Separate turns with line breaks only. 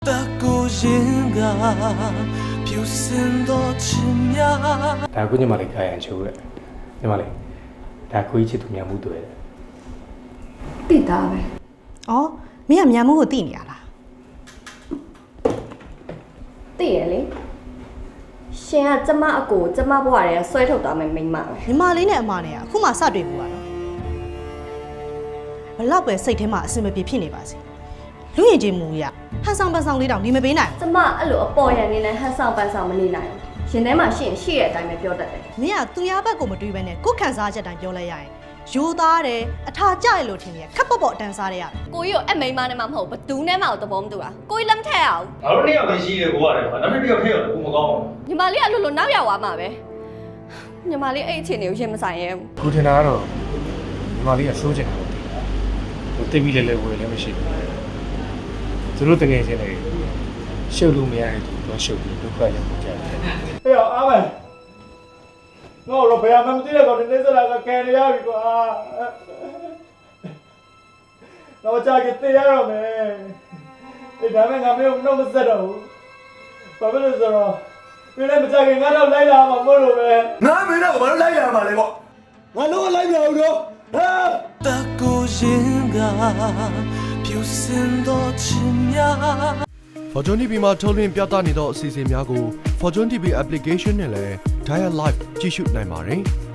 的孤影啊，飘散多奇妙。
ဒါကိုညီမလေးကာယံချိုးရဲ့ညီမလေးဒါကိုကြီးချစ်သူများမှုတွေ့တယ်
တိတာပဲ
အော်မင်းကမြန်မှုကိုသိနေရလား
တိရလေရှင်ကကျမအကိုကျမဘွားတွေကဆွဲထုတ်သွားမယ်မိန်းမပဲ
ညီမလေးနဲ့အမနဲ့ကအခုမှစတွေ့ဘူးပါနော်ဘလောက်ပဲစိတ်ထဲမှာအစင်မပြေဖြစ်နေပါစေလူရင်ချင်းမူရဟန်ဆောင်ပန်ဆောင်လေးတောင်ဒီမပေးနိုင်
ကျမအဲ့လိုအပေါ်ရန်နေနဲ့ဟန်ဆောင်ပန်ဆောင်မနေနိုင်ဘူးရှင်ထဲမှာရှင်ရှိတဲ့အတိုင်းပဲပြောတတ်တယ်
မင်းကသူများဘက်ကိုမတွေးဘဲနဲ့ကိုယ်ခံစားချက်တိုင်းပြောလိုက်ရရင်ယူသားတယ်အထာကြရလို့ထင်ရခက်ပေါ့ပေါ့အတန်းစားရရတယ်
ကိုကြီးကိုအမိန်းမနဲ့မှမဟုတ်ဘသူနဲ့မှတော့သဘောမတူတာကိုကြီးလက်မထက်အောင်
ငါတို့နှစ်ယောက်ပဲရှိတယ်ကိုရတယ်ကွာနောက်တစ်ယောက်ထည့်ရတယ်ကိုမကောင်းဘူး
ညီမလေးကလို့နောက်ရောက်သွားမှာပဲညီမလေးအဲ့အခြေအနေကိုရင်မဆိုင်ရဲဘူး
ကိုထင်တာကတော့ညီမလေးကစိုးချင်တယ်ဟိုတိတ်ပြီးလဲဝယ်လည်းမရှိဘူးသူတို့တကယ်ချင်းလေရှုပ်လို့မရတဲ့သူတော့ရှုပ်ပြီးဒုက္ခရောက်ကြတယ်
ဟေ့အားမယ်ငါတို့ဘယ်မှမသိတဲ့ကောင်ဒီနေ့စလာကကဲရရပြီကွာတော့ကြာကြီးတေးရတော့မယ်ဒီဒါမဲ့ငါမျိုးနှုတ်မဆက်တော့ဘူးဘာဖြစ်လို့ဆိုတော့ဒီနေ့မကြခင်ငါတော့လိုက်လာမှာမဟုတ်လို့ပဲ
ငါမင်းတော့ဘာလို့လိုက်ရမှာလဲပေါ့ငါလုံးဝလိုက်မရဘူးတော့ဟာ
的孤影啊，飘散多奇妙。
Fortune TV မှာထုတ်လွှင့်ပြသနေသောအစီအစဉ်များကို Fortune TV application နဲ့လည်း Dial Live ကြည့်ရှုနိုင်ပါတယ်။